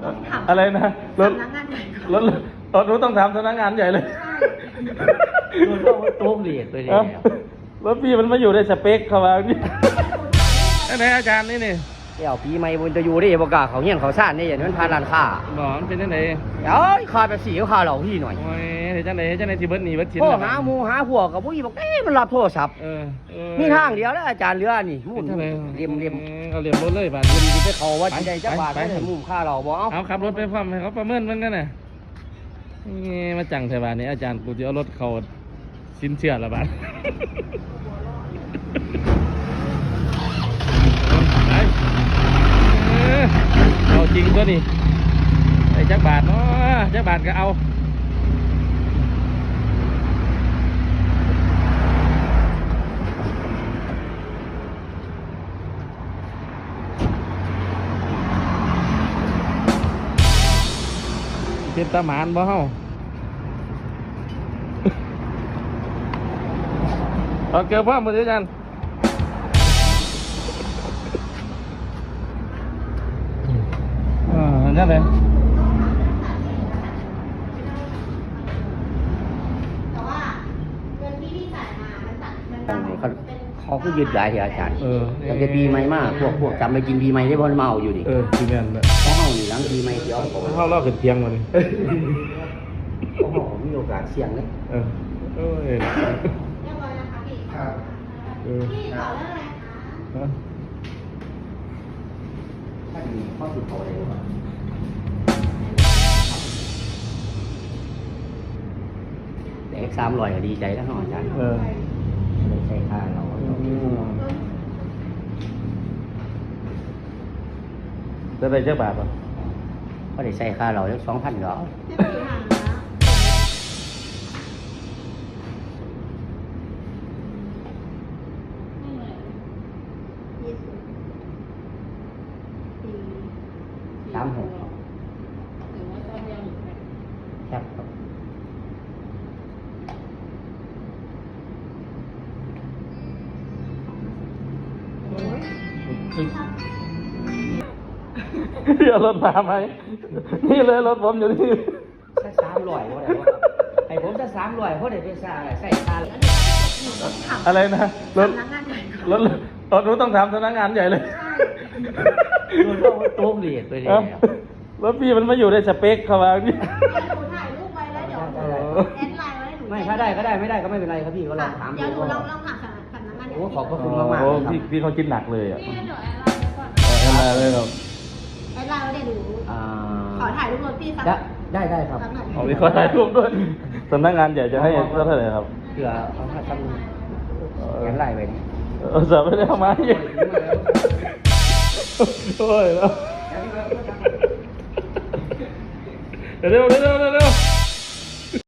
อะไรนะรถสำนักงานใหญ่รถหนูต้องทำสำนักงานใหญ่เลยโดนเข้าโต๊ะเบียดไปเลยรถพี่มันมาอยู่ในสเปคเขาว่านี่ไหนอาจารย์นี่นี่เดี๋ยวปีใหม่บนจะอยู่ได้บอกกาเขาเงี้ยเขาซ่านนี่อย่างนั้นพาร้านค้าบอกมันเป็นยังไงเดี๋ยวขาไปสีขาเหล่าพี่หน่อยโอ้ยเห็นจังไหนที่เบิร์ดหนีเบิร์ดชินพ่อหาหมูหาหัวกับผู้หญิงบอกเอ๊ะมันรับโทรศัพท์ มีทางเดียวแล้วอาจารย์เรือนี่มุ่นเรียมเอาเหลี่ยมรถเลยบาทเรียมที่ไปเขาว่าจะได้จักบาทได้มุ่งค่าเราบอกเอาขับรถไปพร้อมให้เขาประเมินมันกันน่ะนี่มาจังเทวานี่อาจารย์กูจะเอารถเขาสินเชื่อละบาทไปเอาจริงตัวนี้ไอ้จักบาทเนาะจักบาทก็เอาเป็นตาหมานบ่เฮาเอาเกลือพ่อมืออาจารย์นั่นเลยแต่ว่าเงินที่พี่จ่ายมามันตัดมันตัดเป็นเขาก็ยืดหลายที่อาจารย์แต่จะปีใหม่มากพวกจำไปกินปีใหม่ได้บอลเมาอยู่ดิทีแมนเลยเขาเมาหนีหลังปีใหม่ที่เอาของเข้าเล่าขึ้นเตียงมาเลยเขามีโอกาสเสี่ยงเลยเอ้ยเรียบร้อยนะคะพี่พี่ต่อเรื่องอะไรคะถ้ามีข้อสุดเขาเลยแต่300ก็ดีใจแล้วเนาะอาจารย์ได้ใช้ค่าเราจะได้เจ้าบาทป่ะก็ได้ใช้ค่าเราแล้ว2,000เหรอไม่เป็นปัญหาไม่เหมือนยี่สิบปี 36 หรือว่าตอนเดียวหรือไงครับเดี๋ยวรถมาไหมนี่เลยรถผมอยู่นี่สัก300ก็ได้ว่าให้ผมสัก300เพราะได้ไปใส่ค่าอะไรนะรถสำนักงานใหญ่รถหนูต้องทำสำนักงานใหญ่เลยโดนเข้าโต๊ะเบียดไปเลยรถพี่มันมาอยู่ในสเปคเขาว่านี่เดี๋ยวหนูถ่ายรูปไว้แล้วเดี๋ยวหนูแอดไลน์ไว้ให้หนูไม่ถ้าได้ก็ได้ไม่ได้ก็ไม่เป็นไรครับพี่ก็ลองถามเดี๋ยวหนูดูลองถามสำนักงานใหญ่โอ้ขอบพระคุณมากๆโอ้เลยครับพี่เขาคิดหนักเลยอ่ะพี่เดี๋ยวแอดไลน์ไว้ก่อนอะไรเลยครับแอดไลน์ไว้เดี๋ยวหนูอ่าขอถ่ายรูปรถพี่สักได้ครับสักหน่อยเอาไปขอถ่ายรูปด้วยสำนักงานใหญ่จะให้เท่าไหร่ครับเผื่อเขาทำกันไล่ไปนี่เสิร์ฟไม่ได้เอามาเยอะโอ้ยแล้วเร็ว